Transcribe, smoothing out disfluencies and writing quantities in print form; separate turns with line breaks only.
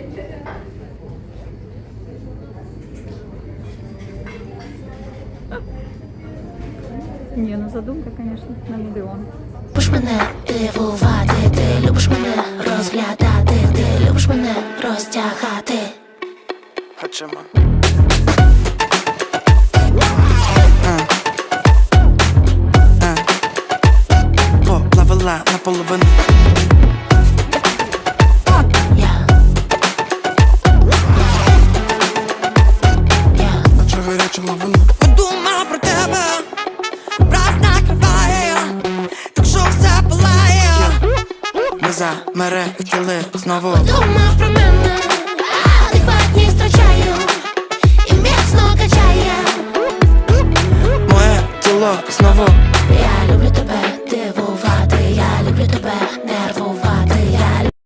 Ні, ну задумка, конечно, на мільйон.
Любиш мене дивувати, ти любиш мене розглядати, ти любиш мене розтягати.
Хаджима. Поплавила наполовину. Наче гаряча лавина. Подумав про тебе, враз накриває, так що все палає. Ми замерехтіли знову.
Подумав про мене, адекватність втрачаю і міцно качає.
Моє тіло знову.
Я